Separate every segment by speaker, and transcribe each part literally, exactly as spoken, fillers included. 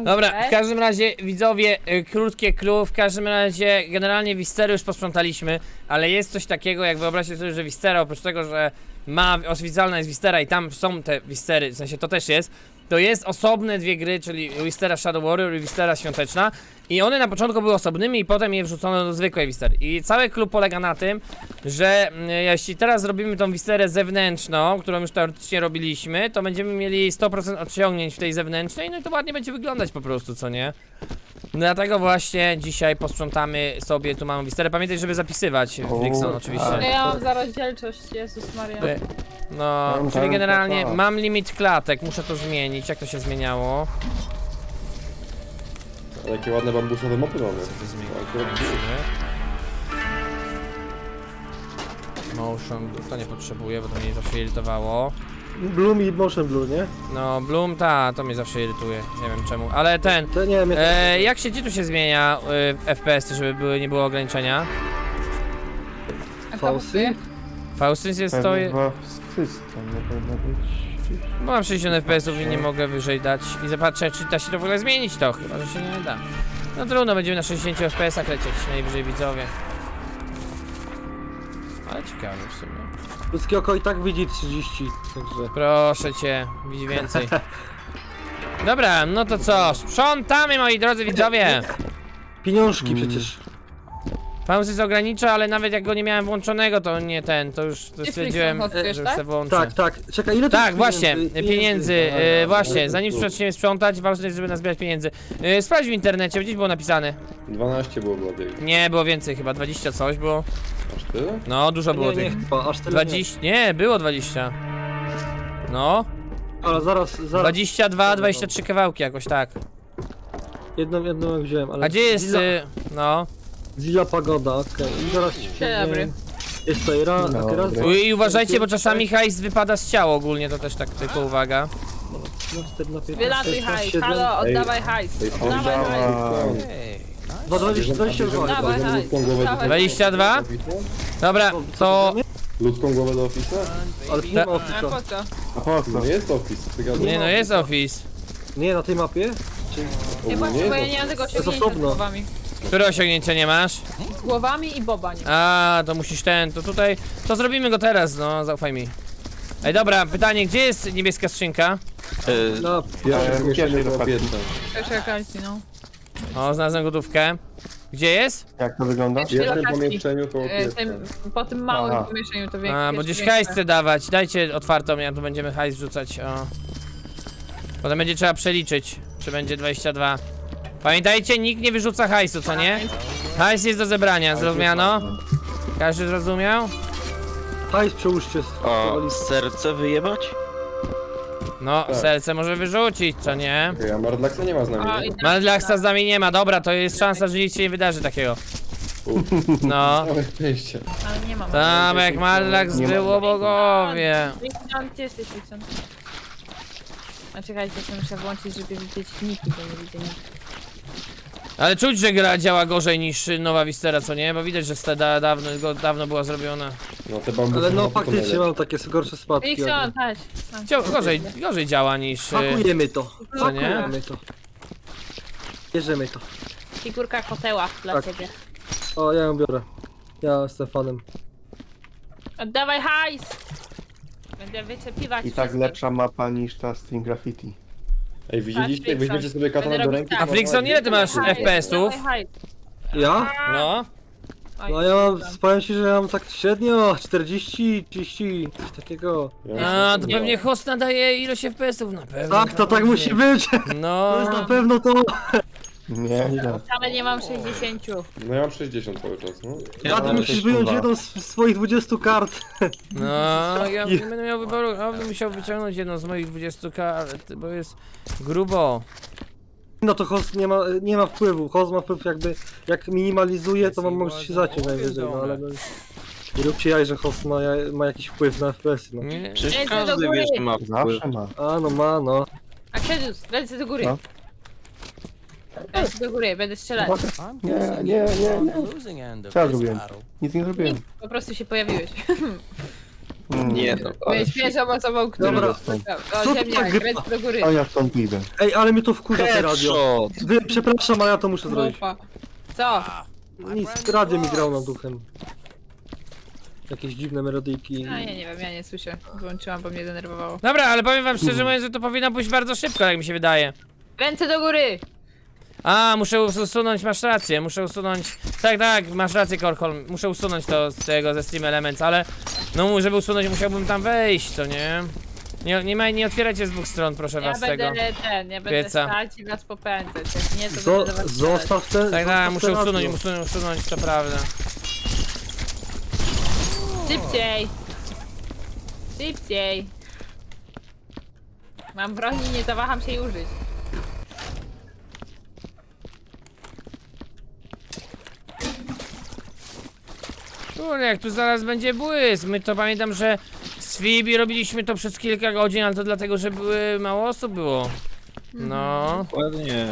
Speaker 1: Dobra, w każdym razie widzowie, y, krótkie clue, w każdym razie generalnie Wistery już posprzątaliśmy, ale jest coś takiego, jak wyobraźcie sobie, że Wistera oprócz tego, że ma, oficjalna jest Wistera i tam są te Wistery, w sensie to też jest, to jest osobne dwie gry, czyli Wistera Shadow Warrior i Wistera Świąteczna i one na początku były osobnymi i potem je wrzucono do zwykłej Wistery. I cały klub polega na tym, że mm, jeśli teraz zrobimy tą Wisterę zewnętrzną, którą już teoretycznie robiliśmy, to będziemy mieli sto procent odciągnięć w tej zewnętrznej, no i to ładnie będzie wyglądać po prostu, co nie? Dlatego właśnie dzisiaj posprzątamy sobie tu małą Wisterę. Pamiętaj, żeby zapisywać w Wixon oczywiście.
Speaker 2: No ja mam za rozdzielczość, Jezus Maria.
Speaker 1: Y, No,
Speaker 3: Tam,
Speaker 1: czyli
Speaker 3: tam,
Speaker 1: generalnie
Speaker 3: tam.
Speaker 1: mam limit klatek, muszę to zmienić. Jak to się zmieniało?
Speaker 3: Ale jakie ładne bambusowe mopy mamy.
Speaker 1: Motion, to nie potrzebuję, bo to mnie zawsze irytowało.
Speaker 4: Bloom i Motion Blue, nie?
Speaker 1: No, Bloom, ta, to mnie zawsze irytuje, nie wiem czemu, ale ten,
Speaker 4: To nie wiem, jak
Speaker 1: e, jak się, gdzie tu się zmienia e, F P S, żeby były, nie było ograniczenia?
Speaker 2: A
Speaker 4: Fausty?
Speaker 1: Faustyn jest to,
Speaker 3: Pewnie chyba system nie powinno być.
Speaker 1: bo mam sześćdziesiąt F P S ów i nie mogę wyżej dać i zobaczę, czy da się to w ogóle zmienić to, chyba, że się nie da. No trudno, będziemy na sześćdziesięciu F P S ach lecieć, najwyżej widzowie. Ale ciekawe w sumie.
Speaker 4: Ludzkie oko i tak widzi trzydzieści, także...
Speaker 1: Proszę cię, widzi więcej. Dobra, no to co? Sprzątamy, moi drodzy widzowie!
Speaker 4: Pieniążki
Speaker 3: Mm.
Speaker 4: przecież.
Speaker 1: Faustus ogranicza, ale nawet jak go nie miałem włączonego, to nie ten, to już to
Speaker 2: Ty
Speaker 1: stwierdziłem,
Speaker 2: Flixon
Speaker 1: że
Speaker 2: odkryjesz,
Speaker 1: już
Speaker 2: tak?
Speaker 1: se włączę.
Speaker 4: Tak, tak. Czekaj, ile to
Speaker 1: Tak,
Speaker 4: jest
Speaker 1: właśnie,
Speaker 4: pieniędzy?
Speaker 1: pieniędzy,
Speaker 3: Aha,
Speaker 1: e,
Speaker 3: no,
Speaker 1: właśnie,
Speaker 3: no,
Speaker 1: zanim
Speaker 3: tu.
Speaker 1: zaczniemy sprzątać, ważne jest, żeby nazbierać pieniędzy. E, sprawdź w internecie, gdzieś było napisane.
Speaker 3: dwanaście było bardziej.
Speaker 1: Nie, było więcej, chyba dwadzieścia coś było.
Speaker 3: Aż tyle?
Speaker 1: No, dużo było
Speaker 4: Nie, nie,
Speaker 1: tych.
Speaker 4: chyba, aż tyle
Speaker 1: dwadzieścia, nie, było dwadzieścia. No,
Speaker 4: nie. Ale zaraz, zaraz.
Speaker 1: dwadzieścia dwa, dwadzieścia trzy kawałki jakoś tak.
Speaker 4: Jedną, jedną wziąłem, ale...
Speaker 1: A gdzie jest,
Speaker 4: Zilla,
Speaker 1: y, no.
Speaker 4: Zilla Pagoda, okej. I zaraz ci
Speaker 2: Dzień
Speaker 4: powiem-
Speaker 2: dobry.
Speaker 4: Jest tutaj raz,
Speaker 3: Dzień
Speaker 4: raz...
Speaker 3: dobry.
Speaker 1: I uważajcie, bo czasami hajs wypada z ciała ogólnie, to też tak tylko uwaga.
Speaker 4: No, cztery na piętnaście,
Speaker 2: Wylatuj
Speaker 4: sześć na
Speaker 2: hajs,
Speaker 4: siedem.
Speaker 2: halo,
Speaker 3: Ej.
Speaker 2: oddawaj hajs.
Speaker 3: Ej,
Speaker 2: Oddawaj
Speaker 3: on
Speaker 2: hajs.
Speaker 3: działa.
Speaker 4: Dwa, dwadzieścia, dwadzieścia dwa.
Speaker 2: Dawaj,
Speaker 3: Bierzemy
Speaker 2: hajs.
Speaker 3: ludzką głowę do
Speaker 2: Dawaj.
Speaker 1: dwadzieścia dwa? Dobra, to...
Speaker 3: Ludzką głowę do Office'a?
Speaker 4: Ale tu nie ma
Speaker 2: A
Speaker 4: ofisa.
Speaker 2: po co?
Speaker 3: A po co? No jest Office, ty gadasz.
Speaker 1: Nie no, jest Office.
Speaker 4: Nie, na tej mapie? Czy...
Speaker 2: Nie
Speaker 3: Ogólnie
Speaker 2: właśnie, bo ja
Speaker 3: jest
Speaker 2: nie mam tego
Speaker 4: jest
Speaker 2: osiągnięcia z
Speaker 4: osobno.
Speaker 2: głowami.
Speaker 1: Które osiągnięcia nie masz?
Speaker 2: Z głowami i boba nie.
Speaker 1: A, to musisz ten, to tutaj... To zrobimy go teraz, no, zaufaj mi. Ej, dobra, pytanie, gdzie jest niebieska skrzynka?
Speaker 4: Na...
Speaker 3: Pierwsze
Speaker 5: Ja-
Speaker 3: pomieszczenie
Speaker 5: pierwszy
Speaker 3: było
Speaker 5: wypadł.
Speaker 3: biedne.
Speaker 2: Pierwsza lokacji, no.
Speaker 1: O, znalazłem gotówkę. Gdzie jest?
Speaker 5: Jak to wygląda?
Speaker 3: W jednym
Speaker 2: lokacji.
Speaker 3: pomieszczeniu koło
Speaker 2: E,
Speaker 3: pieca.
Speaker 2: tym, po tym małym
Speaker 5: Aha.
Speaker 2: pomieszczeniu to większe.
Speaker 1: A, bo gdzieś hajs chce dawać. Dajcie otwartą, ja tu będziemy hajs rzucać, o. Potem będzie trzeba przeliczyć, czy będzie dwadzieścia dwa. Pamiętajcie, nikt nie wyrzuca hajsu, co nie? Hajs jest do zebrania, zrozumiano? Każdy zrozumiał?
Speaker 4: Hajs przełóżcie z...
Speaker 6: O, serce wyjebać?
Speaker 1: No,
Speaker 3: Tak.
Speaker 1: serce może wyrzucić, co nie?
Speaker 3: Okej, a Mardlaxa nie ma z
Speaker 2: A,
Speaker 3: nami,
Speaker 2: i
Speaker 3: nie?
Speaker 2: tak,
Speaker 1: Madlaxa z nami nie ma, dobra, to jest szansa, że nic się nie wydarzy takiego. No.
Speaker 3: Całe szczęście.
Speaker 2: ale nie mam.
Speaker 1: Tam jak Madlax
Speaker 5: Nie ma.
Speaker 1: było bogowie.
Speaker 2: Wikson, gdzie jesteś, Wikson? A czekajcie, jeszcze muszę włączyć, żeby widzieć niki, bo nie widzę niki.
Speaker 1: Ale czuć, że gra działa gorzej niż nowa Wistera, co nie? Bo widać, że steda dawno, go- dawno była zrobiona.
Speaker 3: No te bambusy
Speaker 4: Ale no
Speaker 3: mopy to
Speaker 4: faktycznie
Speaker 3: najlepsze.
Speaker 4: mam takie gorsze spadki.
Speaker 2: Wikson, chodź. chodź.
Speaker 1: Cio- Gorzej, gorzej działa niż... y,
Speaker 4: Pakujemy to.
Speaker 1: Co nie?
Speaker 4: Pakujemy to. Bierzemy to.
Speaker 2: Figurka koteła dla
Speaker 4: Tak.
Speaker 2: ciebie.
Speaker 4: O, ja ją biorę. Ja jestem fanem.
Speaker 2: Oddawaj hajs! Będę wyczepiwać
Speaker 5: I tak
Speaker 2: wszystkich.
Speaker 5: lepsza mapa niż ta String Graffiti.
Speaker 3: Ej, widzieliście, jak
Speaker 2: Flixon.
Speaker 3: weźmiecie sobie katanę
Speaker 2: Będę
Speaker 3: do
Speaker 2: robić
Speaker 3: ręki...
Speaker 2: tak.
Speaker 3: to
Speaker 1: A Flixon,
Speaker 3: ma-
Speaker 1: ile ty masz
Speaker 2: Hajs,
Speaker 1: F P S ów?
Speaker 2: dawaj hajs.
Speaker 4: Ja?
Speaker 1: No.
Speaker 2: Oj,
Speaker 4: No ja mam,
Speaker 2: tam.
Speaker 4: powiem ci, że ja mam tak średnio czterdzieści, trzydzieści, coś takiego.
Speaker 3: Ja
Speaker 1: A, to pewnie host nadaje ilość F P S ów na pewno.
Speaker 4: Tak, to tak musi być. To jest
Speaker 1: No.
Speaker 4: na pewno to.
Speaker 5: Nie, nie.
Speaker 2: Wcale nie mam sześćdziesiąt.
Speaker 3: No ja mam sześćdziesiąt cały czas, no.
Speaker 4: Ja ty
Speaker 5: ale
Speaker 4: musisz
Speaker 5: też
Speaker 4: wyjąć
Speaker 5: kurwa.
Speaker 4: jedną z z swoich dwudziestu kart.
Speaker 1: No, ja nie będę miał wyboru, ja będę musiał wyciągnąć jedną z moich dwudziestu kart, bo jest grubo.
Speaker 4: No to host nie ma, nie ma wpływu. Host ma wpływ jakby, jak minimalizuje, to mam może się zaciąć najwyżej, no ale no. Nie róbcie jaj, że host ma, ja- ma jakiś wpływ na F P S-y, no.
Speaker 1: Nie.
Speaker 6: Przecież
Speaker 2: Ręce do
Speaker 6: każdy
Speaker 2: góry.
Speaker 6: wie, że ma wpływ.
Speaker 5: Zawsze ma.
Speaker 4: A no ma, no.
Speaker 2: Akselius, ręce do góry.
Speaker 5: Co?
Speaker 2: Ręce do góry, będę strzelać.
Speaker 5: Nie, nie, nie, nie. Co ja zrobiłem? Nic nie zrobiłem.
Speaker 2: Po prostu się pojawiłeś.
Speaker 6: Nie no.
Speaker 2: Byłeś pierwszą osobą, która...
Speaker 4: Dobra.
Speaker 2: O,
Speaker 4: Co to
Speaker 2: ziemniak,
Speaker 4: tak gra?
Speaker 2: kręć do góry.
Speaker 5: A ja stąd idę.
Speaker 4: Ej, ale mnie to wkurza te radio.
Speaker 6: Headshot!
Speaker 4: Wy, przepraszam, ale ja to muszę zrobić.
Speaker 2: Grupa. Co?
Speaker 4: Nic, radio mi grał nad duchem. Jakieś dziwne melodyjki.
Speaker 2: A ja nie wiem, ja nie słyszę. Wyłączyłam, bo mnie denerwowało.
Speaker 1: Dobra, ale powiem wam szczerze mówiąc, że to powinno pójść bardzo szybko, jak mi się wydaje.
Speaker 2: Ręce do góry!
Speaker 1: A, muszę usunąć, masz rację, muszę usunąć... Tak, tak, masz rację, Korkol, muszę usunąć to z tego, ze Steam Elements, ale... No, żeby usunąć, musiałbym tam wejść, co nie? Nie, nie, ma, nie otwierajcie z dwóch stron, proszę
Speaker 2: Ja
Speaker 1: was, tego.
Speaker 2: będę ten, ja będę
Speaker 1: pieca.
Speaker 2: stać i was popędzać. Jak nie, to
Speaker 4: Zo
Speaker 2: będę do was strzelać.
Speaker 4: zostaw ten.
Speaker 1: Tak, tak,
Speaker 4: zostaw
Speaker 1: muszę
Speaker 4: te
Speaker 1: usunąć,
Speaker 4: radio.
Speaker 1: usunąć, usunąć, to prawda.
Speaker 2: Szybciej! Szybciej! Mam broń i nie zawaham się jej użyć.
Speaker 1: Kurde, jak tu zaraz będzie błysk. My to pamiętam, że z Fibi robiliśmy to przez kilka godzin, ale to dlatego, że były mało osób było. No.
Speaker 6: Ładnie.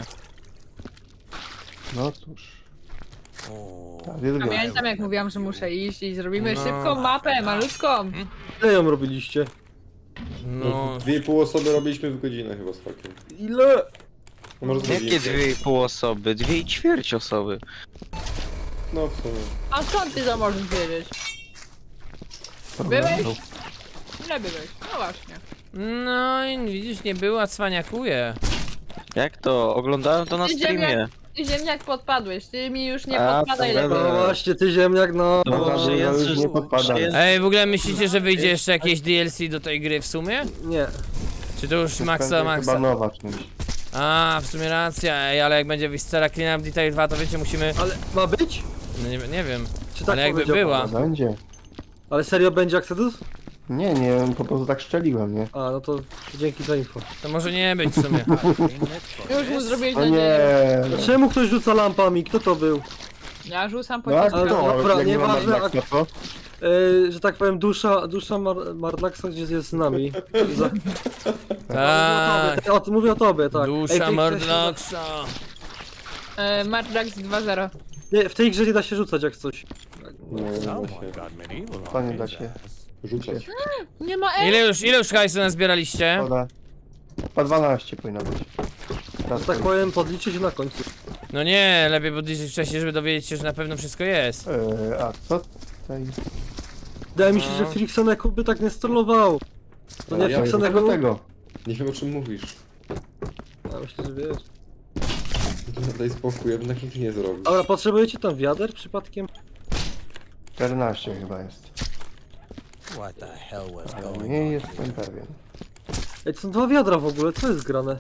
Speaker 5: No cóż. Ja wielbiam.
Speaker 2: Pamiętam jak mówiłam, że muszę iść i zrobimy
Speaker 1: No.
Speaker 2: szybką mapę, malutką.
Speaker 4: Ile ją robiliście?
Speaker 1: No.
Speaker 3: Dwie i pół osoby robiliśmy w godzinę chyba z fakiem.
Speaker 4: Ile?
Speaker 3: No może z
Speaker 6: Jakie
Speaker 3: godzinkę.
Speaker 6: dwie i pół osoby? Dwie i ćwierć osoby.
Speaker 3: No w sumie.
Speaker 2: A skąd ty to możesz wiedzieć? Byłeś? Ile byłeś? No właśnie.
Speaker 1: No i widzisz, nie była, cwaniakuje.
Speaker 6: Jak to? Oglądałem to na
Speaker 2: Ty
Speaker 6: streamie.
Speaker 2: ziemniak, ty ziemniak podpadłeś, ty mi już nie
Speaker 6: A,
Speaker 2: podpadaj
Speaker 6: to
Speaker 2: lepiej.
Speaker 6: będę-
Speaker 4: No właśnie, ty ziemniak, no.
Speaker 6: No,
Speaker 5: No,
Speaker 6: że
Speaker 5: no,
Speaker 6: jest,
Speaker 5: już nie podpadam.
Speaker 6: że jest-
Speaker 1: Ej, w ogóle myślicie, że wyjdzie jeszcze jakieś D L C do tej gry w sumie?
Speaker 4: Nie.
Speaker 1: Czy to już maksa,
Speaker 5: Będzie
Speaker 1: maksa?
Speaker 5: Chyba nowa czymś.
Speaker 1: A, w sumie racja, ej, ale jak będzie Viscera Clean Up Detail dwa, to wiecie, musimy...
Speaker 4: Ale ma być?
Speaker 1: No nie, nie wiem,
Speaker 4: Czy tak
Speaker 1: ale jakby
Speaker 4: powiedział
Speaker 1: była.
Speaker 4: pan?
Speaker 5: Będzie.
Speaker 4: Ale serio będzie Exodus?
Speaker 5: Nie, nie, po prostu tak szczeliłem, nie?
Speaker 4: A, no to dzięki za info.
Speaker 1: To może nie być w sumie.
Speaker 2: Już mu zrobiłeś
Speaker 5: No
Speaker 2: nadzieję.
Speaker 5: nie.
Speaker 4: A czemu ktoś rzuca lampami? Kto to był?
Speaker 2: Ja rzucam po
Speaker 5: No a
Speaker 2: ciebie.
Speaker 5: kto?
Speaker 4: dobra,
Speaker 5: Jak nie ma
Speaker 4: nieważne,
Speaker 5: Maxa, to?
Speaker 4: Yy, że tak powiem, dusza, dusza Mar Marlaxa gdzieś jest z nami. Za...
Speaker 1: Tak,
Speaker 4: O, ty mówię o tobie, tak. Ej, w
Speaker 1: dusza
Speaker 4: tej grze się
Speaker 1: Mardlaxa.
Speaker 2: E, Mardrax dwa zero.
Speaker 4: da- Nie, w tej grze nie da się rzucać jak coś.
Speaker 3: No, nie da się
Speaker 5: To nie da się.
Speaker 3: rzucać.
Speaker 2: Nie ma E!
Speaker 1: Ile już, ile już hajsu nazbieraliście?
Speaker 5: Szkoda. Chyba dwanaście powinno być. Teraz
Speaker 4: Że tak powiem, podliczyć na końcu.
Speaker 1: No nie, lepiej podliczyć wcześniej, żeby dowiedzieć się, że na pewno wszystko jest.
Speaker 5: Eee, a co tutaj?
Speaker 4: Wydaje mi się, że
Speaker 1: No.
Speaker 4: Friksoneku by tak nie strollował. To nie
Speaker 3: Ale ja
Speaker 5: Tego
Speaker 4: Friksoneku?
Speaker 5: tego.
Speaker 3: Nie wiem o czym mówisz.
Speaker 4: Ja myślę, że wiesz.
Speaker 3: Daj spokój, ja bym takich nie zrobił.
Speaker 4: Dobra, potrzebujecie tam wiader przypadkiem?
Speaker 5: czternaście chyba jest. Ale nie jestem pewien.
Speaker 4: Ej, to są dwa wiadra w ogóle, co jest grane?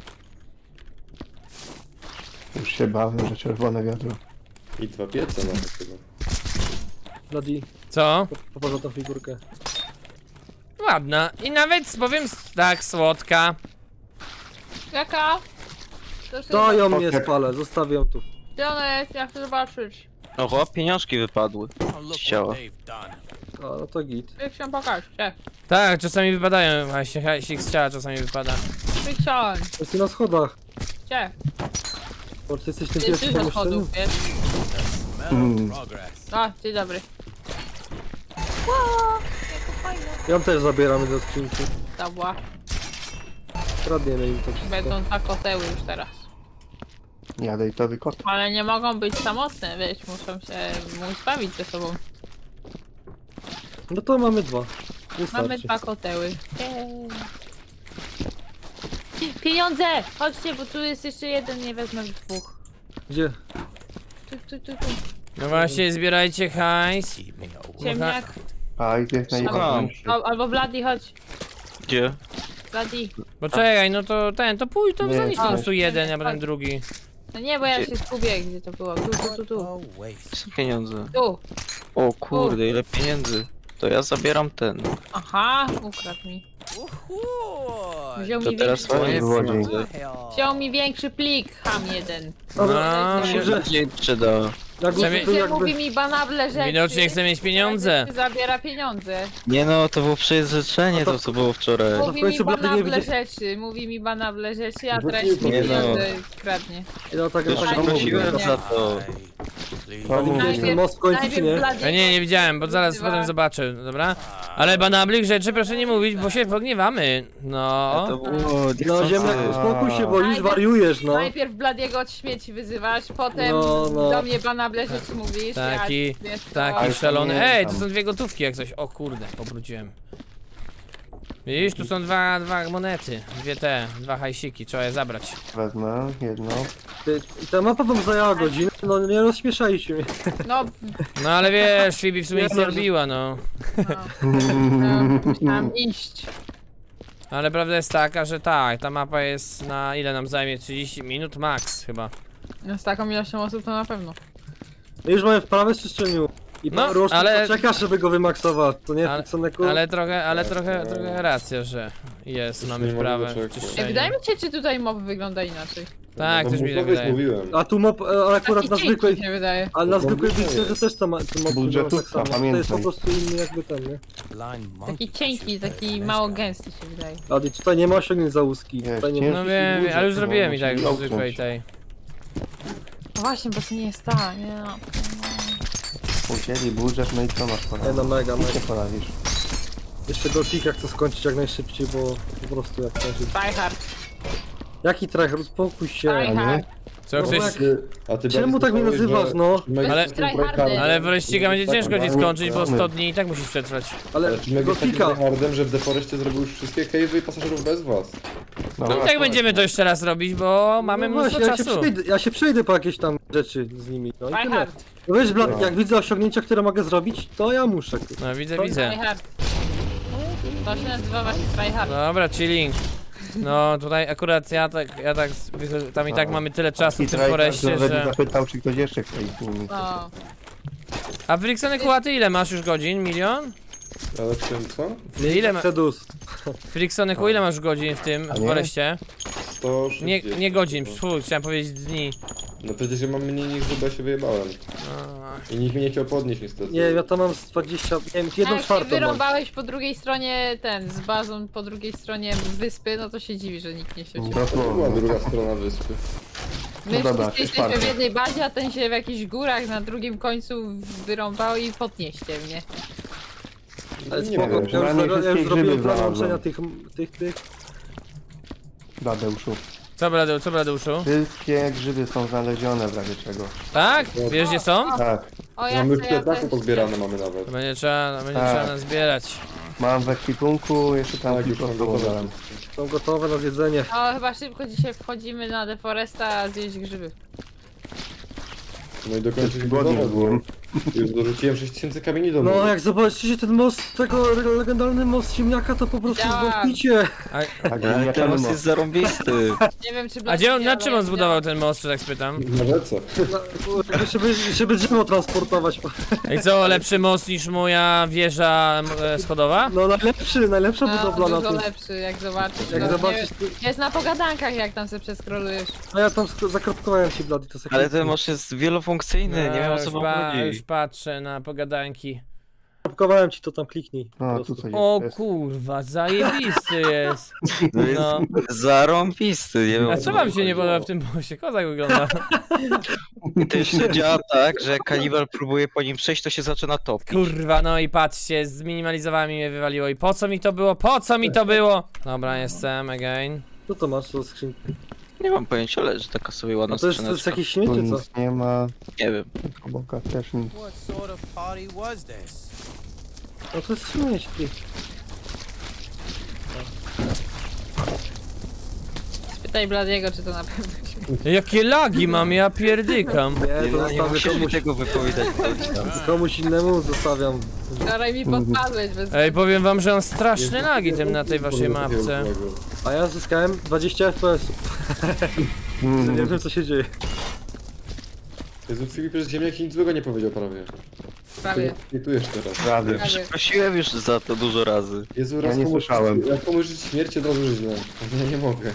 Speaker 5: Już się bałem, że czerwone wiadro.
Speaker 3: I dwa piece nawet chyba.
Speaker 4: Bloody,
Speaker 1: Co?
Speaker 4: popatrz tą figurkę.
Speaker 1: Ładna. I nawet powiem s- tak, słodka.
Speaker 2: Jaka? To się
Speaker 4: To ją nie
Speaker 5: Poker.
Speaker 4: spalę, zostawię ją tu.
Speaker 2: Gdzie ona jest? Ja chcę zobaczyć.
Speaker 6: No chłop, pieniążki wypadły z ciała.
Speaker 4: A, no to git.
Speaker 2: Jak się pokaż, gdzie?
Speaker 1: Tak, czasami wypadają, właśnie hajsik z ciała czasami wypada.
Speaker 2: Frikson,
Speaker 4: Jesteś na schodach.
Speaker 2: gdzie?
Speaker 4: Bo ty jesteś tym
Speaker 2: Ty
Speaker 4: pierwszym
Speaker 2: jesteś do
Speaker 4: pomieszczeniu.
Speaker 2: schodów, wiesz?
Speaker 5: Mm.
Speaker 2: O, dzień dobry.
Speaker 4: Ją też zabieramy do skrzynki.
Speaker 2: Dobra.
Speaker 4: Kradniemy im to wszystko.
Speaker 2: Będą takoteły już teraz.
Speaker 5: Jadę i to wykot.
Speaker 2: Ale nie mogą być samotne, wiesz, muszą się móc bawić ze sobą.
Speaker 4: No to mamy dwa.
Speaker 2: Mamy
Speaker 4: Wystarczy.
Speaker 2: dwa koteły. Jej. Pieniądze! Chodźcie, bo tu jest jeszcze jeden, nie wezmę dwóch.
Speaker 4: Gdzie?
Speaker 2: Tu, tu, tu, tu.
Speaker 1: No właśnie, zbierajcie hajs.
Speaker 2: Ciemniak.
Speaker 5: A i to jest najważniejsze.
Speaker 2: Al, albo Bloody, chodź.
Speaker 6: Gdzie?
Speaker 2: Bloody.
Speaker 1: Poczekaj, no to ten, to pójdź, to
Speaker 5: Nie,
Speaker 1: zanieś po
Speaker 5: nie.
Speaker 1: prostu jeden, a potem drugi.
Speaker 2: No nie, bo ja się zgubię, gdzie to było. Tu, tu, tu, tu.
Speaker 6: Są pieniądze.
Speaker 2: Tu.
Speaker 6: O kurde, ile pieniędzy. To ja zabieram ten.
Speaker 2: Aha, ukradł mi. Wziął
Speaker 6: To
Speaker 2: mi,
Speaker 6: teraz
Speaker 2: większy,
Speaker 6: moje
Speaker 5: złodziej.
Speaker 6: pieniądze.
Speaker 2: wziął mi większy plik, ham jeden.
Speaker 4: Dobra,
Speaker 1: No,
Speaker 6: Mi się
Speaker 4: że-
Speaker 6: bardziej przyda.
Speaker 4: jak
Speaker 1: Przynajmniej-
Speaker 4: był
Speaker 2: Gdzie
Speaker 4: jakby...
Speaker 2: mówi mi banable rzeczy.
Speaker 1: Widocznie chce mieć pieniądze.
Speaker 2: Zabiera pieniądze.
Speaker 6: Nie no, to było przejrzenie
Speaker 4: A to-
Speaker 6: to co było wczoraj.
Speaker 4: to w
Speaker 2: Mówi mi
Speaker 4: końcu Bloody nie
Speaker 2: banable
Speaker 4: widzi-
Speaker 2: rzeczy, mówi mi banable rzeczy, a
Speaker 3: No
Speaker 2: teraz
Speaker 3: nie,
Speaker 2: mi
Speaker 3: to
Speaker 6: nie no.
Speaker 2: pieniądze kradnie.
Speaker 4: No tak,
Speaker 6: Już
Speaker 4: tak
Speaker 2: tak
Speaker 6: prosiłem
Speaker 2: mówię.
Speaker 6: za to.
Speaker 5: To
Speaker 4: Widziałeś ten
Speaker 5: mówię.
Speaker 4: most w końcu, czy nie?
Speaker 1: Ja nie, nie widziałem, bo zaraz potem zobaczę, dobra? Ale banablik rzeczy proszę nie mówić, bo się pogniewamy. No.
Speaker 6: To było
Speaker 4: No
Speaker 6: niechcący.
Speaker 4: ziemniak, uspokój się, bo już wariujesz, no.
Speaker 2: Najpierw Bladiego od śmieci wyzywasz, potem
Speaker 4: No, no.
Speaker 2: do mnie banable rzeczy mówisz.
Speaker 1: Taki,
Speaker 2: ja, wiesz, to-
Speaker 1: taki
Speaker 5: Ale
Speaker 1: szalony.
Speaker 5: pamiętam.
Speaker 1: Ej, tu są dwie gotówki jak coś. O kurde, obróciłem. Widzisz, tu są dwa, dwa monety. Dwie te, dwa hajsiki, trzeba je zabrać.
Speaker 5: Wezmę jedno.
Speaker 4: Ty- Ta mapa wam zajęła godzinę, no nie rozśmieszajcie mnie.
Speaker 2: No,
Speaker 1: No ale wiesz, Phoebe w sumie nic nie
Speaker 4: Nie, no, że-
Speaker 1: robiła, no.
Speaker 2: no, no, musiałam iść.
Speaker 1: Ale prawda jest taka, że tak, ta mapa jest na ile nam zajmie? trzydzieści minut max chyba.
Speaker 2: No, z taką ilością osób to na pewno.
Speaker 4: My już mamy wprawę z czyszczeniu. I
Speaker 1: No,
Speaker 4: no, Roszki
Speaker 1: ale-
Speaker 4: ale... czeka, żeby go wymaksować, to nie
Speaker 1: Ale-
Speaker 4: Fiksoneku?
Speaker 1: Ale trochę, ale
Speaker 3: Tak,
Speaker 1: trochę,
Speaker 3: tak.
Speaker 1: trochę racja, że jest,
Speaker 3: Już
Speaker 1: mamy
Speaker 3: nie mogę
Speaker 1: wprawę w
Speaker 3: doczekać.
Speaker 2: Ej,
Speaker 1: czyszczeniu.
Speaker 2: wydaje mi się, czy tutaj mob wygląda inaczej.
Speaker 1: Tak,
Speaker 3: no,
Speaker 1: też mi tak
Speaker 3: bufowiec
Speaker 1: wydaje.
Speaker 3: mówiłem.
Speaker 4: A tu mop, e, ale akurat
Speaker 2: Taki
Speaker 4: na
Speaker 2: cienki
Speaker 4: zwykłej,
Speaker 2: się wydaje.
Speaker 4: ale na
Speaker 3: No,
Speaker 4: zwykłej
Speaker 3: to
Speaker 4: bitwie
Speaker 3: jest.
Speaker 4: też to ma, ten mop
Speaker 5: Budżetówka,
Speaker 4: wygląda tak samo. To jest po
Speaker 5: pamiętaj.
Speaker 4: prostu inny jakby ten, nie?
Speaker 2: Taki cienki, taki mało gęsty się wydaje.
Speaker 4: A i tutaj nie ma osiągnięć za łuski.
Speaker 5: Jest,
Speaker 4: Tutaj nie
Speaker 5: ciężki
Speaker 4: ma...
Speaker 1: No wiem,
Speaker 5: budżet,
Speaker 1: ale już
Speaker 5: no,
Speaker 1: zrobiłem i
Speaker 5: musi
Speaker 1: tak w
Speaker 5: zamknąć.
Speaker 1: zwykłej tej.
Speaker 2: No właśnie, bo to nie jest ta, nie no.
Speaker 5: Ucięli budżet, no i co masz
Speaker 4: Nie
Speaker 5: poradzić?
Speaker 4: no, mega,
Speaker 5: Nic
Speaker 4: mega.
Speaker 5: nie poradzisz.
Speaker 4: Jeszcze Gothica chcę skończyć jak najszybciej, bo po prostu jak najszybciej.
Speaker 2: Tryhard,
Speaker 4: Jaki trach, uspokój się.
Speaker 2: tryhard.
Speaker 1: Co
Speaker 4: No
Speaker 1: ktoś...
Speaker 4: jak-
Speaker 3: Ty, a ty
Speaker 4: Czemu
Speaker 3: bardziej
Speaker 4: tak mnie
Speaker 3: słyszałeś,
Speaker 4: nazywasz,
Speaker 3: że-
Speaker 4: no?
Speaker 3: że Meg
Speaker 1: Ale-
Speaker 3: jest tym
Speaker 2: tryhardem.
Speaker 3: tryhardem.
Speaker 1: Ale w Rościga będzie
Speaker 3: Tak,
Speaker 1: ciężko ci
Speaker 3: tak.
Speaker 1: skończyć, bo
Speaker 5: mamy.
Speaker 1: sto dni i tak musisz przetrwać.
Speaker 4: Ale
Speaker 3: Ale czy Meg jest takim
Speaker 4: Gothica,
Speaker 3: tryhardem, że w Deforestie zrobił już wszystkie cave'y i pasażerów bez was?
Speaker 1: No i
Speaker 5: właśnie.
Speaker 1: tak będziemy to jeszcze raz robić, bo mamy
Speaker 4: no
Speaker 1: mnóstwo
Speaker 4: właśnie, ja się,
Speaker 1: czasu.
Speaker 4: przejdę, ja się przejdę po jakieś tam rzeczy z nimi. No i tyle.
Speaker 2: Tryhard,
Speaker 4: No wiesz, Blad,
Speaker 5: No.
Speaker 4: jak widzę osiągnięcia, które mogę zrobić, to ja muszę.
Speaker 1: No widzę,
Speaker 4: To-
Speaker 1: widzę.
Speaker 2: tryhard. To się nazywa właśnie tryhard.
Speaker 1: Dobra, chilling. No tutaj akurat ja tak, ja tak, wycho- tam i tak
Speaker 5: No.
Speaker 1: mamy tyle czasu w
Speaker 5: I
Speaker 1: tym
Speaker 5: Trajka
Speaker 1: foreście,
Speaker 5: nawet
Speaker 1: że...
Speaker 5: zapytał, czy ktoś jeszcze chce iść z nimi.
Speaker 2: No.
Speaker 1: A Friksony Kułaty ile masz już godzin? Milion?
Speaker 3: Ale w tym co?
Speaker 1: Ile ma...
Speaker 4: Sedus.
Speaker 1: Friksony Ku, ile masz godzin w tym
Speaker 5: A nie?
Speaker 1: foreście?
Speaker 3: sto
Speaker 1: Nie,
Speaker 3: sześćdziesiąt.
Speaker 1: nie godzin, Fu, chciałem powiedzieć dni.
Speaker 3: No przecież ja mam mniej niż chyba się wyjebałem.
Speaker 1: A,
Speaker 3: I nikt mnie nie chciał podnieść niestety.
Speaker 4: Nie, ja tam mam z dwadzieścia, nie wiem, jedną
Speaker 2: Jak się
Speaker 4: czwartą mam.
Speaker 2: wyrąbałeś po drugiej stronie ten, z bazą po drugiej stronie wyspy, no to się dziwi, że nikt nie siedzi.
Speaker 3: To była druga strona wyspy.
Speaker 2: My
Speaker 5: No dobra,
Speaker 2: wszyscy jesteśmy
Speaker 5: czwartą.
Speaker 2: w jednej bazie, a ten się w jakichś górach na drugim końcu wyrąbał i podnieście mnie.
Speaker 4: Ale
Speaker 3: Nie
Speaker 4: spoko,
Speaker 3: wiem,
Speaker 4: ja
Speaker 5: że
Speaker 4: już,
Speaker 5: na nie
Speaker 4: zaro- ja
Speaker 5: wszystkie
Speaker 4: już zrobiłem
Speaker 5: grzyby
Speaker 4: plan
Speaker 5: znalazłem.
Speaker 4: łączenia tych, tych, tych.
Speaker 5: Tadeuszu.
Speaker 1: Co Bladeu, co Bladeuszu?
Speaker 5: Wszystkie grzyby są znalezione w razie czego.
Speaker 1: Tak? Wiesz gdzie są?
Speaker 5: Tak,
Speaker 2: O, ja
Speaker 3: Mamy już
Speaker 2: chcę, ja
Speaker 3: plecaku
Speaker 2: też.
Speaker 3: pozbierane mamy nawet.
Speaker 1: To będzie trzeba, będzie
Speaker 5: Tak.
Speaker 1: trzeba nazbierać.
Speaker 5: mam w ekwipunku, jeszcze tam
Speaker 3: Tak, już
Speaker 5: kilka
Speaker 3: są
Speaker 5: sobą
Speaker 3: gotowe.
Speaker 5: dałem.
Speaker 4: Są gotowe na zjedzenie.
Speaker 2: O, chyba szybko dzisiaj wchodzimy na Deforesta zjeść grzyby.
Speaker 3: No i dokończyć
Speaker 5: Głodny
Speaker 3: budowę, bo
Speaker 5: byłem.
Speaker 3: już dorzuciłem sześć tysięcy kamieni do
Speaker 4: No
Speaker 3: domu.
Speaker 4: jak zobaczycie ten most, tego legendarny most ziemniaka, to po prostu
Speaker 2: Działa.
Speaker 4: zwątpicie.
Speaker 1: A,
Speaker 5: Tak,
Speaker 6: Ale
Speaker 5: ziemniakany
Speaker 6: ten most
Speaker 5: most.
Speaker 6: jest zarąbisty.
Speaker 2: Nie wiem czy
Speaker 1: a gdzie on,
Speaker 2: Blady
Speaker 1: na czym
Speaker 2: działa,
Speaker 1: on zbudował ten most, że tak spytam?
Speaker 3: Na rzece.
Speaker 4: No, żeby, żeby drzewo transportować.
Speaker 1: I co, lepszy most niż moja wieża m, e, schodowa?
Speaker 4: No najlepszy, najlepsza
Speaker 2: No,
Speaker 4: budowla na
Speaker 2: dużo
Speaker 4: tym.
Speaker 2: lepszy, jak zobaczysz.
Speaker 4: Jak
Speaker 2: no,
Speaker 4: zobaczysz, ty-
Speaker 2: nie, jest na pogadankach, jak tam sobie przeskrolujesz.
Speaker 4: a ja tam sk- zakropkowałem ci Blady, to
Speaker 6: Ale ten most jest wielofunkcyjny, nie wiem o co
Speaker 1: już,
Speaker 6: wam
Speaker 1: pa- już
Speaker 6: chodzi.
Speaker 1: patrzę na pogadanki.
Speaker 4: zakropkowałem ci, to tam kliknij. po
Speaker 5: No,
Speaker 4: prostu.
Speaker 5: tu coś
Speaker 1: O
Speaker 5: jest.
Speaker 1: kurwa, zajebisty jest.
Speaker 6: No jest
Speaker 1: No.
Speaker 6: zarąbisty, nie wiem
Speaker 1: A
Speaker 6: o
Speaker 1: co
Speaker 6: co
Speaker 1: wam się nie podoba w tym moście? Kozak wygląda.
Speaker 6: I to jeszcze działa tak, że jak kanibal próbuje po nim przejść, to się zaczyna topić.
Speaker 1: Kurwa, no i patrzcie, zminimalizowałem i mnie wywaliło. I po co mi to było? Po co mi to było? Dobra, jestem, again.
Speaker 4: Co to masz, to skrzynki?
Speaker 6: Nie mam pojęcia, ale że taka sobie ładna
Speaker 4: A to jest, to jest
Speaker 6: skrzyneczka.
Speaker 4: jakieś
Speaker 5: Tu
Speaker 4: śmiecie, co?
Speaker 5: nic nie ma,
Speaker 6: Nie wiem.
Speaker 5: obok też nic.
Speaker 7: What sort of party was this?
Speaker 4: No to jest śmieć, ty.
Speaker 2: Spytaj Bladiego, czy to na pewno się...
Speaker 1: Jakie lagi mam, ja pierdykam.
Speaker 4: Nie, to
Speaker 6: Nie, nie
Speaker 4: zostawię
Speaker 6: musisz mi
Speaker 4: komuś,
Speaker 6: tego wypowiadać.
Speaker 4: komuś innemu, zostawiam.
Speaker 2: Wczoraj mi podpadłeś bez...
Speaker 1: Ej, powiem wam, że on straszne lagi tym na tej waszej mapce.
Speaker 4: A ja zyskałem dwadzieścia F P S.
Speaker 5: Mm.
Speaker 4: Nie wiem co się dzieje.
Speaker 3: Jezu, Filip, przecież ziemniak nic złego nie powiedział prawie.
Speaker 2: Prawie.
Speaker 3: Tweetujesz teraz.
Speaker 5: Prawie.
Speaker 2: Prawie.
Speaker 6: Prosiłem już za to dużo razy.
Speaker 3: Jezu,
Speaker 5: Ja
Speaker 3: raz
Speaker 5: nie
Speaker 3: komuś,
Speaker 5: słyszałem.
Speaker 3: jak komuś żyć śmierć, od razu żyć źle. Ja nie mogę.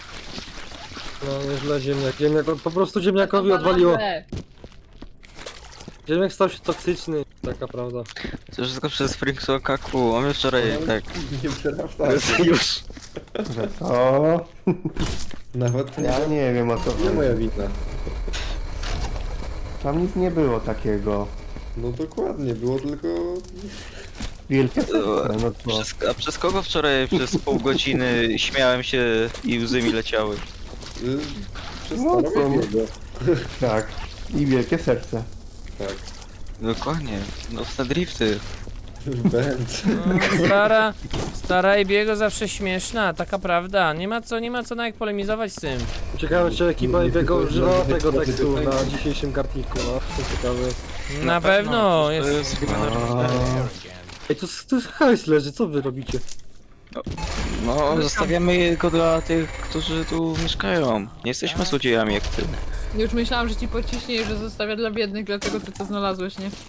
Speaker 4: No nieźle ziemniak. Ziemniak, po prostu ziemniakowi
Speaker 2: To
Speaker 4: odwaliło.
Speaker 2: banale.
Speaker 4: Ziemniak stał się toksyczny, taka prawda.
Speaker 6: To wszystko przez Frinkson Kaku, a my wczoraj tak.
Speaker 3: Nie przerasta.
Speaker 6: Już.
Speaker 5: Że co?
Speaker 3: Nawet to
Speaker 5: Ja
Speaker 3: nie,
Speaker 5: nie wiem o co
Speaker 3: nie
Speaker 5: chodzi.
Speaker 3: moja wina.
Speaker 5: Tam nic nie było takiego.
Speaker 3: No dokładnie, było tylko...
Speaker 5: Wielkie serce, no co?
Speaker 6: Przez, a przez kogo wczoraj przez pół godziny śmiałem się i łzy mi leciały?
Speaker 3: Y, przez
Speaker 5: No
Speaker 3: no,
Speaker 5: co? Tak. I wielkie serce.
Speaker 3: Tak.
Speaker 6: Dokładnie, nocne drifty.
Speaker 3: Będ.
Speaker 1: No, stara, stara Ebiego zawsze śmieszna, taka prawda. Nie ma co, nie ma co nawet polemizować z tym.
Speaker 4: Ciekawe, czy ekipa Ebiego używa tego tekstu na dzisiejszym kartniku, no. To ciekawe.
Speaker 1: Na pewno
Speaker 6: To
Speaker 1: jest.
Speaker 6: jest chyba
Speaker 4: Ej, to, to jest hajs leży, co wy robicie?
Speaker 6: No, zostawiamy go dla tych, którzy tu mieszkają. Nie jesteśmy złodziejami jak ty.
Speaker 2: Już myślałam, że ci pociśnie, że zostawia dla biednych, dlatego ty to znalazłeś, nie?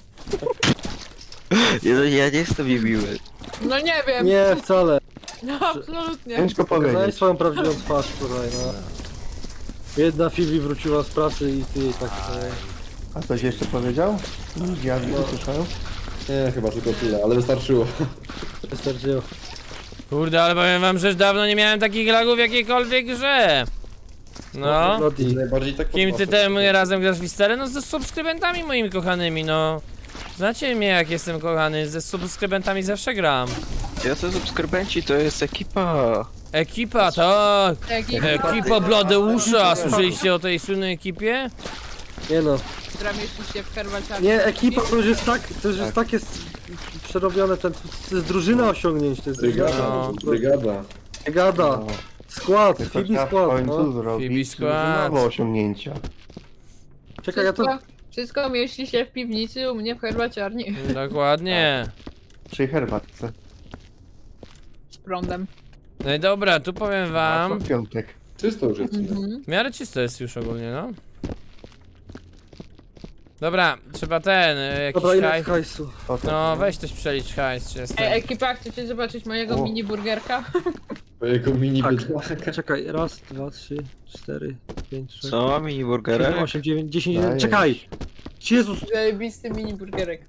Speaker 6: Ja, ja nie jestem niemiły.
Speaker 2: No nie wiem.
Speaker 4: Nie, wcale.
Speaker 2: No, absolutnie.
Speaker 5: Ciężko
Speaker 4: Pokazałeś
Speaker 5: powiedzieć.
Speaker 4: swoją prawdziwą twarz tutaj, no. Jedna Phoebe wróciła z pracy i ty tak... E,
Speaker 5: A coś jeszcze powiedział? Ja no. słyszałem.
Speaker 3: Nie, chyba tylko tyle, ale wystarczyło.
Speaker 4: wystarczyło.
Speaker 1: Kurde, ale powiem wam, że dawno nie miałem takich lagów w jakiejkolwiek grze. No.
Speaker 4: Bloody.
Speaker 3: Najbardziej tak
Speaker 1: Kim ty
Speaker 3: podnoszę.
Speaker 1: tem razem grasz w Wisterę? No ze subskrybentami moimi kochanymi, no. Znacie mnie jak jestem kochany, ze subskrybentami zawsze gram.
Speaker 6: Ja to subskrybenci, to jest ekipa.
Speaker 1: Ekipa, tak!
Speaker 2: Jaki
Speaker 1: Ekipa Bladeusza! Słyszeliście o tej słynnej ekipie?
Speaker 4: Nie no.
Speaker 2: która mieści się w herbaciarni.
Speaker 4: Nie, ekipa to już jest tak, to już jest tak jest przerobione, ten, to jest drużyna osiągnięć, to jest
Speaker 3: Brygada,
Speaker 1: No.
Speaker 3: brygada.
Speaker 4: brygada,
Speaker 5: No.
Speaker 4: skład,
Speaker 5: To
Speaker 4: Phoebe
Speaker 5: trzeba w
Speaker 4: skład,
Speaker 5: końcu
Speaker 4: no.
Speaker 5: zrobić
Speaker 1: skład.
Speaker 5: nowe osiągnięcia.
Speaker 4: Czekaj, ja to...
Speaker 2: Wszystko, wszystko mieści się w piwnicy u mnie w herbaciarni.
Speaker 1: Dokładnie.
Speaker 5: Przy herbatce.
Speaker 2: Z prądem.
Speaker 1: No i dobra, tu powiem wam.
Speaker 5: A co w piątek.
Speaker 3: Czysto już jest.
Speaker 2: Mhm.
Speaker 1: W miarę czysto jest już ogólnie, no. Dobra, trzeba ten, y, jakiś
Speaker 4: Dobra, ile
Speaker 1: hajs.
Speaker 4: jest hajsu?
Speaker 5: O, tak.
Speaker 1: No weź coś przelicz hajs, czy jest
Speaker 2: Ej,
Speaker 1: ten.
Speaker 2: ekipa, chcecie zobaczyć mojego
Speaker 5: O.
Speaker 2: mini burgerka?
Speaker 3: Jego mini
Speaker 4: Tak.
Speaker 3: bydlaka.
Speaker 4: Czekaj, raz, dwa, trzy, cztery, pięć, sześć,
Speaker 6: Co? Mini
Speaker 4: siedem,
Speaker 6: burgerek?
Speaker 4: osiem, dziewięć, dziesięć,
Speaker 5: Dajesz.
Speaker 4: jeden, czekaj! Jezus!
Speaker 2: Zajebisty mini burgerek.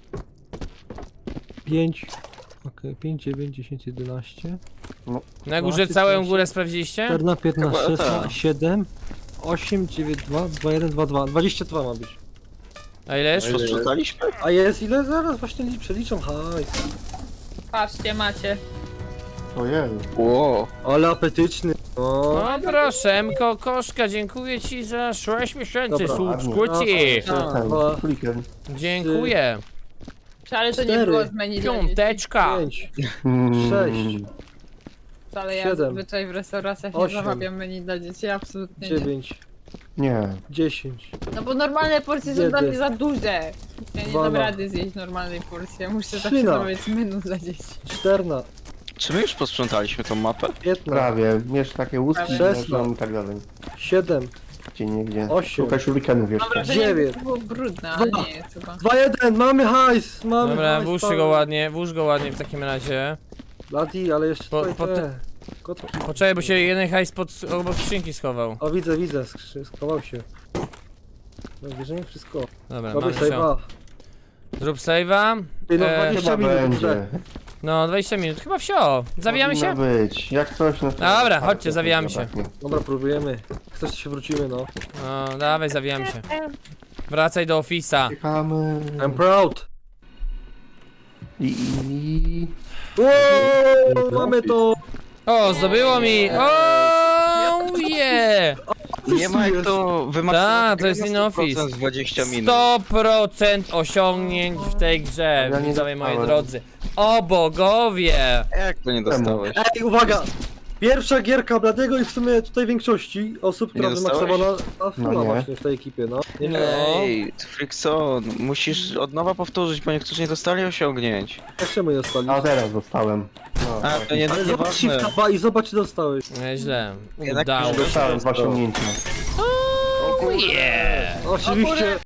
Speaker 4: pięć, okej, pięć, dziewięć, dziesięć, jedenaście,
Speaker 1: Na górze
Speaker 4: dwanaście,
Speaker 1: całą
Speaker 4: trzynaście,
Speaker 1: górę sprawdziliście?
Speaker 4: czternaście, piętnaście,
Speaker 6: Chyba tak.
Speaker 4: szesnaście, siedem, osiem, dziewięć, dwa, dwa, jeden, dwa, dwa, dwadzieścia dwa ma być.
Speaker 1: A ile jest?
Speaker 3: A ile?
Speaker 6: Posprzątaliśmy?
Speaker 4: A jest ile? Zaraz właśnie li- przeliczam hajs.
Speaker 2: Patrzcie, macie.
Speaker 5: Ojej.
Speaker 6: Ło.
Speaker 4: Ale apetyczny. O,
Speaker 1: O proszę, Mko Koszka, dziękuję ci za sześć miesięcy
Speaker 4: Dobra,
Speaker 1: subskrypcji.
Speaker 4: raz,
Speaker 5: Ten,
Speaker 4: dwa,
Speaker 5: królikiem.
Speaker 1: Dziękuję.
Speaker 2: Wcale to nie
Speaker 4: Cztery.
Speaker 2: było z menu dla dzieci.
Speaker 1: Piąteczka.
Speaker 4: pięć,
Speaker 5: Mm.
Speaker 4: sześć,
Speaker 2: Wcale ja
Speaker 4: siedem,
Speaker 2: zazwyczaj w restauracjach nie
Speaker 4: osiem,
Speaker 2: zamawiam menu dla dzieci, absolutnie nie.
Speaker 4: dziewięć,
Speaker 5: Nie.
Speaker 4: dziesięć,
Speaker 2: No bo normalne porcje są
Speaker 4: Jeden.
Speaker 2: dla mnie za duże. Ja nie dam
Speaker 4: Dwana.
Speaker 2: rady zjeść normalnej porcji, ja muszę zawsze
Speaker 4: Trzyna.
Speaker 2: zamawiać menu dla dzieci.
Speaker 4: czternaście,
Speaker 6: Czy my już posprzątaliśmy tą mapę?
Speaker 4: piętnaście,
Speaker 5: Prawie. Miesz takie łuski,
Speaker 2: Prawie.
Speaker 5: leżą i tak dalej.
Speaker 4: siedem,
Speaker 5: Gdzie niegdzie.
Speaker 4: Osiem.
Speaker 5: Szukaj shurikenów
Speaker 2: Mam
Speaker 5: jeszcze.
Speaker 2: wrażenie, że
Speaker 4: Dziewięć.
Speaker 2: to było brudne, ale
Speaker 4: Dwa.
Speaker 2: nie jest chyba.
Speaker 4: dwa, jeden, mamy hajs, mamy
Speaker 1: Dobra,
Speaker 4: hajs.
Speaker 1: włóż
Speaker 4: cały.
Speaker 1: go ładnie, włóż go ładnie w takim razie.
Speaker 4: Bloody, ale jeszcze
Speaker 1: Po-
Speaker 4: tutaj
Speaker 1: po
Speaker 4: te... Kotki.
Speaker 1: Poczekaj, bo się jeden hajs pod, obok skrzynki schował.
Speaker 4: O, widzę, widzę, skrzy- schował się. No, bierzemy wszystko.
Speaker 1: Dobra,
Speaker 4: Robię
Speaker 1: mamy się.
Speaker 4: save'a.
Speaker 1: Zrób save'a.
Speaker 4: Ty, no,
Speaker 1: E,
Speaker 4: dwadzieścia
Speaker 5: Chyba
Speaker 4: minut,
Speaker 5: będzie.
Speaker 4: dobrze.
Speaker 1: No, dwadzieścia minut, chyba wsio. Zawijamy się?
Speaker 5: Powinno być. Jak coś, no to...
Speaker 1: Dobra,
Speaker 5: tak,
Speaker 1: chodźcie,
Speaker 5: to
Speaker 1: zawijamy się.
Speaker 5: zabraknie.
Speaker 4: Dobra, próbujemy. Chcesz, to się wrócimy, no.
Speaker 1: No, dawaj, zawijamy się. Wracaj do ofisa.
Speaker 5: Czekamy.
Speaker 4: I'm proud.
Speaker 5: I... i-
Speaker 4: Wow, mamy to!
Speaker 1: O, zdobyło mi! O, yeah!
Speaker 6: Nie ma jak to wymagać.
Speaker 1: Tak, to jest in office.
Speaker 6: dwadzieścia minut.
Speaker 1: sto procent osiągnięć w tej grze,
Speaker 5: Ja nie
Speaker 1: widzowie moi
Speaker 5: dostałem.
Speaker 1: drodzy. O bogowie!
Speaker 6: Jak to nie dostałeś?
Speaker 4: Ej, uwaga! Pierwsza gierka Bladego i w sumie tutaj większości osób, która
Speaker 6: Nie dostałeś?
Speaker 4: wymaksowała na
Speaker 5: No
Speaker 4: no
Speaker 5: nie.
Speaker 4: właśnie w tej ekipie, no. Nie, nie.
Speaker 6: Ej, Frickson, musisz od nowa powtórzyć, bo niektórzy nie dostali osiągnięć.
Speaker 4: Jak czemu nie dostali?
Speaker 5: A teraz dostałem. No,
Speaker 6: A, to nie,
Speaker 4: Ale zobacz
Speaker 6: nieważne.
Speaker 4: shift taba i zobacz czy dostałeś.
Speaker 1: Nieźle.
Speaker 6: Jednak
Speaker 1: Udało
Speaker 6: już
Speaker 1: się.
Speaker 5: dostałem dwa osiągnięcia.
Speaker 1: Oh yeah!
Speaker 4: Oczywiście